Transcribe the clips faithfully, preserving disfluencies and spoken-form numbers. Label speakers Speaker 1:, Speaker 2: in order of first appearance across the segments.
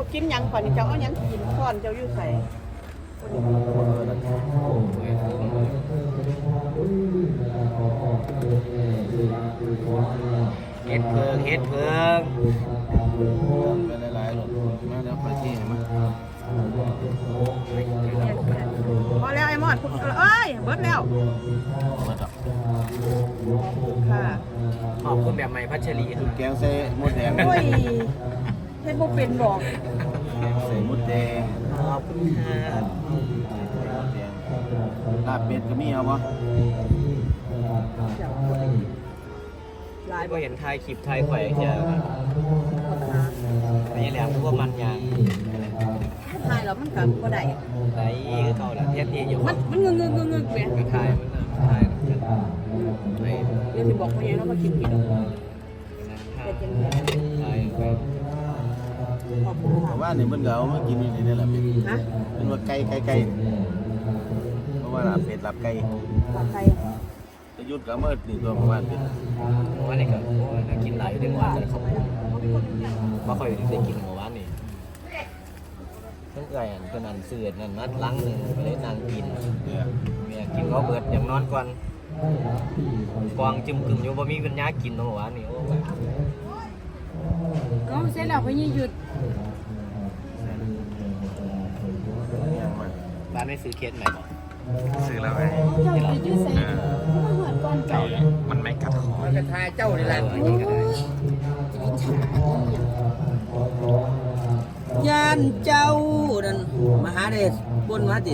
Speaker 1: กินยังก่อนนี่เจ้าเอายังกินก่อนเจ้าอยู่ใส่
Speaker 2: เฮ็ดเพิงเฮ็ดเพิง
Speaker 3: ไปหลายๆหลดมาแล้วไปที่ไหนมา
Speaker 1: พอแล้วไอ้มอดเอ้ยเบิดแล้วค่ะ
Speaker 2: ขอบคุณแบบใหม่พัชรี
Speaker 3: แกงใส่มดแดง
Speaker 1: โอ้ยเฮ็ดบ่เป็นดอก
Speaker 3: แกงใส่มดแดง
Speaker 2: ขอบคุณค่ะ
Speaker 3: ลาบเป็ดก็มีเอาปะ
Speaker 1: หลาย
Speaker 2: ก็เห็นไทยคลิปไทยไข่เจอไม่แหลมพวกมันยาง
Speaker 1: ทายแล้วมันก็บ่ได้
Speaker 2: ไหนก็เท่าละเทียบทีอยู่
Speaker 1: มันมันงึงงึงงึงแม่
Speaker 2: ก็ทายมันทายไม่
Speaker 1: เดี๋ยวสิบอกพ่อใหญ่เนาะมากินผิด
Speaker 2: ทายทายไป
Speaker 1: ขอบคุณ
Speaker 3: แต่
Speaker 1: ค่ะ
Speaker 3: ว่านี่มันก็เอามากินอยู่ในนี่แหละเป็ด
Speaker 1: ฮะ
Speaker 3: เป็นว่าไก่ไก่ไก่เพราะว่าลาบเป็ดลาบไก่
Speaker 1: ปลาไทย
Speaker 3: จะยุดก็เอามื่อนี่ตัวประมาณเป็ด
Speaker 2: ว่านี่ก็กินหลายอยู่ในวันแต่เขาไม่ค่อยได้กินเมื่อวานนี่เพิ่งไก่อันเป็นอันเสือนั่นนัดล้างหนึ่งไปเลยนางกิน
Speaker 3: เนี่ย
Speaker 2: เมียกินเขาเบิดอย่างนอนก่อนกวางจึมกึ่มอยู่บ่มีปัญญากินเมื่อวานนี่โอ้ย
Speaker 1: ก็เสร็จแล้วพ่อใหญ่หยุด
Speaker 3: ยังมา
Speaker 2: บ้านไม่ซื้อเคสใหม่บ่
Speaker 4: ซื้อแล้วไง
Speaker 1: เจ้าจะยืดใส่มาหอดก่อนเจ้า
Speaker 4: มันไม่กัดคอ
Speaker 2: กระทายเจ้านี่แหละ
Speaker 5: ยานเจ้านั่นมหาเดชบนวัดดิ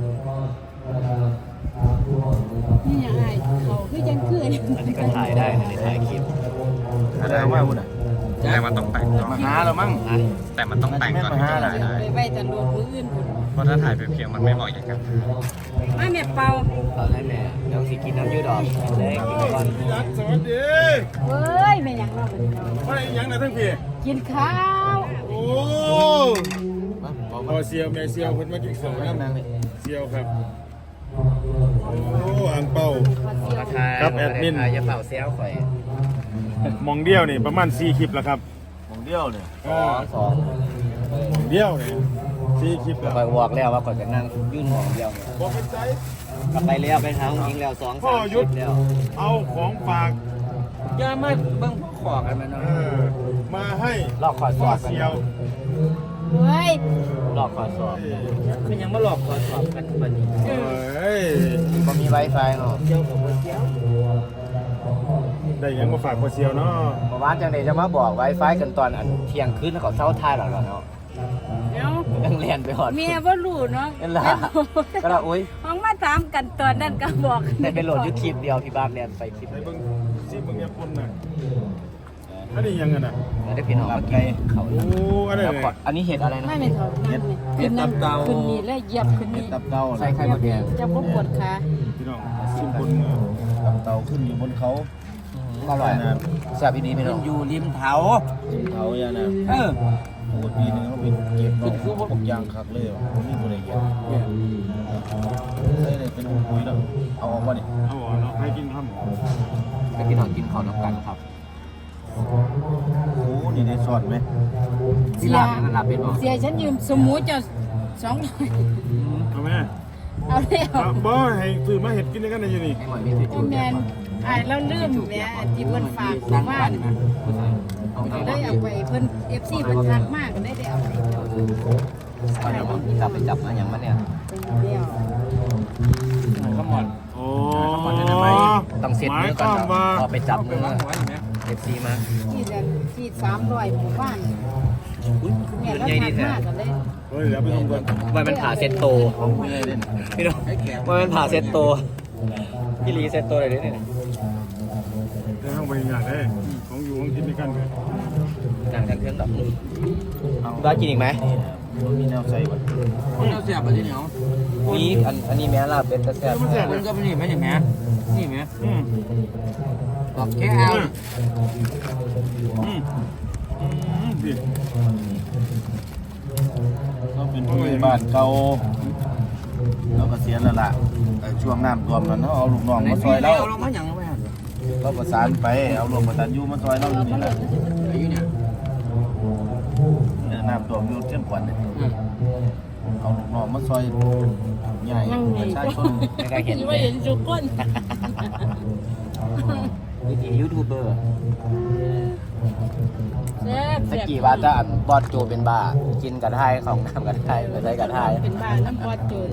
Speaker 1: นี่ยังไงเขาคือยังคือ
Speaker 2: อันนี้ก็ถ่ายได้ในถ่ายคลิป
Speaker 3: อะไรว่าพูดอ่ะ
Speaker 4: แต่มันต้องแต่งก่อน
Speaker 3: มาหาเรามั้ง
Speaker 2: นะ
Speaker 4: แต่มันต้องแต่งก่อน
Speaker 3: มาหาอะไร
Speaker 4: ได้
Speaker 1: ไปไว้แต่รวมมืออื่น
Speaker 4: เพราะถ้าถ่ายไปเพียงมันไม่เหมาะอย่างกัน
Speaker 1: ไม่แม่เป่า
Speaker 2: ตอนให้แม่เดี๋ยวสิกินน้ำยืดดอกเลยกินก่อน
Speaker 3: สวัสดี
Speaker 1: เฮ้ยแม่ยังเราเป็นน้อง
Speaker 3: ไม่ยังนะทั้งพี่
Speaker 1: กินข้าว
Speaker 3: โอ้พอเซียวแม่เซียวเพิ่นมากินข้าวน้ำเซียวครับโอ้อังเป้า
Speaker 2: กระทาย
Speaker 3: ครับแอดมิน
Speaker 2: อย่าเป่าเซลข่อย
Speaker 6: มองเดียวนี่ประมาณสี่คลิปแล้วครับ
Speaker 3: มองเดียวเนี่ย
Speaker 2: สองสอง
Speaker 6: มองเดียวนี่สี่คลิปแล้ว
Speaker 2: ข่อยบอกแล้วว่าข่อยจะนั่งยื่นหมองเดียว
Speaker 6: บอกเป็นใจ
Speaker 2: กลับไปแล้วไปทางยิงแล้วสองสามสิบแล้ว
Speaker 6: เอาของฝาก
Speaker 2: อย่ามาเบิ่งขอกันมันเนาะ
Speaker 6: เออมาให้
Speaker 2: ลอกขอส
Speaker 6: พ่
Speaker 2: อ
Speaker 6: อบ
Speaker 2: กัน
Speaker 6: เสียว
Speaker 1: เฮ้ย
Speaker 2: ลอกขอสอบมันยังมาหลอกขอสอบกันบัดนี้
Speaker 6: เอ้ย
Speaker 2: บ่มี Wi-Fi เนาะเที่ยวกับบ่เที่ยว
Speaker 6: ได้หยังมาฝากพ่อเสียวเนาะ
Speaker 2: เมื่อวานจังได๋จะมาบอก Wi-Fi กันตอนอันเที่ยงคืนแล้วก็เช้าท้ายแล้วเนาะ
Speaker 1: เนาะ
Speaker 2: ยังเรียนไปหอด
Speaker 1: เมียบ่รู้เนาะ
Speaker 2: นั่นล่ะก็ละอุ้ย
Speaker 1: ห้องมาถามกันตอนนั้นก็บอก
Speaker 2: ได้ไปโหลดยูคลิปเดียวที่บ้านเรียนไปคลิป
Speaker 6: ไป
Speaker 2: เดียว
Speaker 6: เบิ่งซีเบิ่งยาปุ่นน่ะอันนี้ยังไงน่ะ
Speaker 2: แล้วได้พี่น้องมากินเขา
Speaker 6: โอ้อันนี้
Speaker 2: แล้วก็อันนี้เห็ดอะไรนะ
Speaker 1: ไม่เป็นเท่านั้นขึ้นนั่นขึ้นนี่แล้วเหยียบขึ้น
Speaker 3: เห็ด
Speaker 1: นี่
Speaker 3: ตับเต่า
Speaker 2: ใส่ไข่มดแดง
Speaker 1: จะบ่ปวดขา
Speaker 6: พี่น้องซีปุ่นมือ
Speaker 3: ตับเต่าขึ้นอยู่บนเขา
Speaker 2: อร่อยแซ่บอีดีพี่น้อง
Speaker 5: อยู่ริมเถา
Speaker 3: เขาอย่างนั้น
Speaker 5: เออ
Speaker 3: โอ้ปีนึงเขาเป็นเก็บเป็นคือพวกยางคักเลยว่ะผมมีตัวใดเก็บใช่เลยเป็นปุ๋ยแล้วเอาออกมาดิ
Speaker 6: เอาอ่ะเนาะให้กินข้าวหมู
Speaker 2: ให้พี่น้องกินข้าวน้ำกันครับ
Speaker 3: โอ้นี่ได้สอดไหม
Speaker 2: สิลาบนั่นลาบเป็นบ่
Speaker 1: เสียฉันยืมสมูเจ้าสองร้อย
Speaker 6: เอาไหม
Speaker 1: เอาแล้ว
Speaker 6: เอาบ่ให้ซื้อมาเห็ดกินด้วยกันได้อยู่นี่
Speaker 2: ให้หมดมีสิ
Speaker 1: โอ้แม่นอ้ายเราลืมแม่ที่เพิ่นฝากของบ้าน
Speaker 2: เอาไป
Speaker 1: ได้เอาไปเพิ่น เอฟ ซี เพิ่นทักมากก็ได้ได้เอาไปเจ้า
Speaker 2: เดี๋ยวผมกลับไปจับมาอย่างมันเนี่ย
Speaker 1: เดียว
Speaker 2: ข้าวหมด
Speaker 6: โอ้
Speaker 2: ต้องเซ็ตมือก่อนพอไปจับมือเอฟซีมา
Speaker 1: ที่จะที่สามร้อยหมู่บ้านแม่เรา
Speaker 2: ใหญ่
Speaker 1: ทั
Speaker 2: ดี
Speaker 1: ก
Speaker 2: แท้
Speaker 1: มากก็ได้
Speaker 6: เฮ้ยเดี๋ยวไปทำกัน
Speaker 2: ว่ามันผ่าเซ็ตโต
Speaker 3: ของผู้ใหญ่เล่น
Speaker 2: พี่น้องว่ามันผ่าเซ็ตโตพี่ลีเซ็ตโตเลยเนี่ย
Speaker 6: ได้ห้องไปอย่างได้ของอยู่ของกินด้วยกันเลย
Speaker 2: หนังจากเครื่องดอกบ้ากินอีกไหม
Speaker 3: มันมีแนวใส่บ่
Speaker 5: เราเสียบไปที่เหนียว
Speaker 2: มีอันอันนี้แม่ลาบเป็นตะแซ่บ
Speaker 5: มันก็เป็นนี่ไหมเนี่ยแม่นี่ไหม
Speaker 6: อืม
Speaker 5: บอกแค่เอา
Speaker 6: อืมอืมดิ
Speaker 3: ก็เป็นผู้ใหญ่บ้านเก่าเราก็เสียแล้วล่ะช่วงน้ำท่วมนั้นเขาเอาลูกน้องมาซอยเรา
Speaker 5: เอาลงมาอย่างไร
Speaker 3: เราประสานไปเอาลงประสานยูมาซอยเราอยู่นี่แหละ
Speaker 5: อายุเนี่ย
Speaker 3: เนี่ยน้ำท่วม
Speaker 2: มอยู่เที่ยงกว่าเนี่ยเอาลูกน้องมาซอยใหญ่ประชาชนไม่ได้เห็น
Speaker 1: ไม่เห็นทุกคน
Speaker 2: วิธียูทูบเบอร์
Speaker 1: แซ่บ
Speaker 2: ตะกี้ว่าจะอันบอดโจเป็นบ้ากินกระไทยของน้ำกระไทยไม่ได้กระไทย
Speaker 1: เป็นบ้าน้ำพอดโจร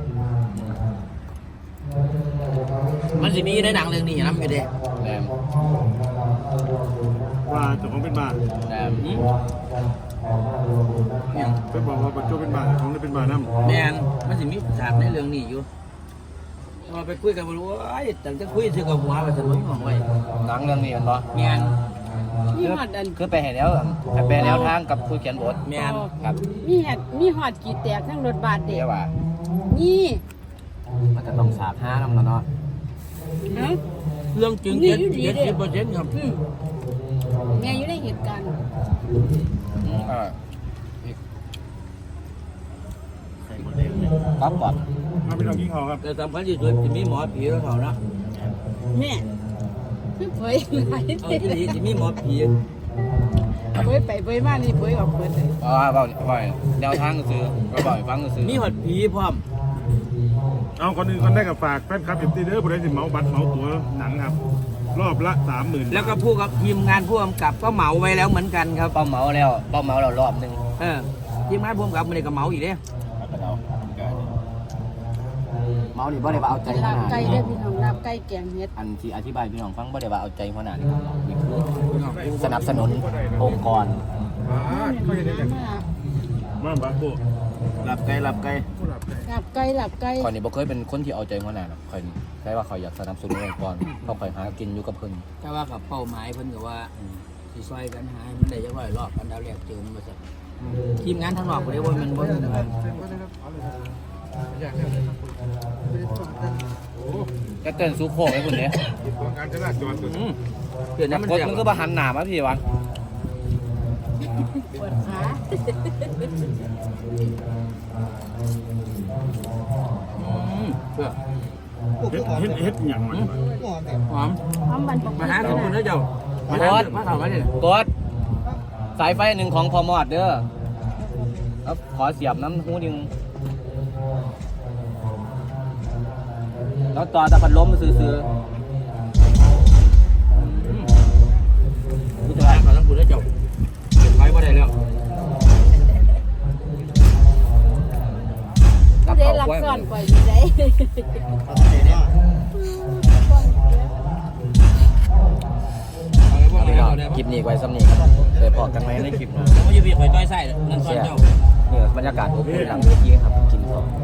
Speaker 5: มันสิมีในหนังเรื่องนี้นะอยู่เด้
Speaker 2: แรม
Speaker 6: ว่าเจ้าของเป็นบ้า
Speaker 2: แรม
Speaker 5: เนี่ย
Speaker 6: ไปบอกว่าปัจจุบันเป็นบ้าของได้เป็นบ้าน้ำ
Speaker 5: แมนมันสิมีฉากในเรื่องนี้อยู่มาไปคุยกันบ่รู้ว่าไอ้แต่จะคุยซื้อกับหัวไปสนุกของไว้
Speaker 2: หนังเรื่องนี้มันบ่
Speaker 5: แมน
Speaker 1: มีหอดอัน
Speaker 2: คือไปเห็นแล้วไปแนวทางกับผู้เขียนบท
Speaker 5: แมน
Speaker 2: ครับ
Speaker 1: มีหอดมีหอดกี่แตกทั้งรถบาทเด็
Speaker 2: เรี
Speaker 1: ก
Speaker 2: ยกว่า
Speaker 1: นี่
Speaker 2: มันจะต้องสาบห้าน้ำแล้วเนาะ
Speaker 1: ฮะ
Speaker 5: เรื่องจริงเจ็ดเจ็ดสิบเปอร์เซ็นต์ครับ
Speaker 1: อืมแม่อยู่ในเหตุการณ์
Speaker 2: เออปั๊บก่อน
Speaker 6: มาพี่น้องกินข้าวครับ
Speaker 5: แต่สำคัญที่สุดจะมีหมอผีแล้วเท่านะ
Speaker 1: แม่คือเผยหลาย
Speaker 5: เอา
Speaker 1: เด็
Speaker 5: ที่นี่จะมีหมอผี
Speaker 1: เผยไปเผยมานี่เผยออกเผยเลย
Speaker 2: เพราะว่าบอกบ่อยแนวทางก็คือก็บ่อยฟังก็คือ
Speaker 5: มีหอดผีพร้อม
Speaker 6: เอาคนอื่นคนได้กับฝากแฟนคลับเอ็มตีเด้อผู้ใดสิเหมาบัตรเหมาตั๋วหนังครับ รอบละสามหมื่น
Speaker 5: แล้วก็ผู้กับทีมงานผู้กำกับก็เหมาไว้แล้วเหมือนกันครับ
Speaker 2: เป้าเมาแล้วเป้าเมาเรารอบหนึ่ง
Speaker 5: เออทีมงานผู้กำกับมันเลยก็เหมาอีกเด้
Speaker 2: เมาหรือบ่ได้ว่าเอาใจข
Speaker 1: ลาบ
Speaker 2: นาด
Speaker 1: ไก่
Speaker 2: นี้
Speaker 1: เด้อพี่น้องลาบไก่แกงเฮ็ด
Speaker 2: อันที่อธิบายพี่น้องฟังบ่ได้ว่าเอาใจขนาดนี้นี่คือสนับสนุนองค์กร
Speaker 6: มาบาโบ
Speaker 2: หลับไกลหลับไกล
Speaker 1: ลาบไก่ลาบไก่
Speaker 2: คอยนี่บ่เคยเป็นคนที่เอาใจขนาดหรอกคอยนี่แค่ว่าคอยอยากสนับสนุนองค์กรเพราะคอยหากินอยู่กับเพิ่น
Speaker 5: แต่ว่ากับเป้าหมายเพิ่นก็ว่าสิซอยกันหาให้มันได้จักร้อยรอบกันดาวแรกเจอมันมาสักทีมงานทางนอกบ่ได้ว่ามันบ่ได้ว่า
Speaker 2: ก็เต้นสู้โค้งให้คุณเด้
Speaker 6: การจราจรตัว
Speaker 5: อืมเดี๋ยวนั้นมัน
Speaker 2: กด
Speaker 5: เสีย
Speaker 2: มันก็บ่หันหน้ามาพี่วะ
Speaker 1: ปวดขา
Speaker 5: อืมเพื่อ
Speaker 6: เฮ็ดเฮ็ดเฮ็ดอย่างมัน
Speaker 5: หอม
Speaker 1: พร้อมบันปก
Speaker 5: มาหาขอบคุณนะเจ้ามาหามาถามมาเนี่ย
Speaker 2: กดสายไฟหนึ่งของพอมอดเด้อแล้วขอเสียบน้ำหูหนึงแล้วต่อตะพัดลมซื้อ
Speaker 5: ผู้จัดการขอรับคุณนะเจ้าเก็บไว้บ่ได้แล้ว
Speaker 2: ๆกับ
Speaker 1: ได้
Speaker 2: เขา
Speaker 1: รัก
Speaker 2: ไว้
Speaker 1: ซ่อนปล่อยอยู่ได้
Speaker 5: เอาไว้
Speaker 2: เอา
Speaker 5: บ่
Speaker 2: ไป
Speaker 5: ได้
Speaker 2: ก่อนค
Speaker 5: แล้ว
Speaker 2: ลิปนี้ไว้ซ้ำนี้ครับเดี๋ยวพอกันไหมในคลิปหนะ
Speaker 5: มันจะมีข่อยต้อยไส้นั่นซอย
Speaker 2: เสีย
Speaker 5: เจ้า
Speaker 2: เนี่ยบรรยากาศอบอุ่นหลังเวทีครับกินข้าว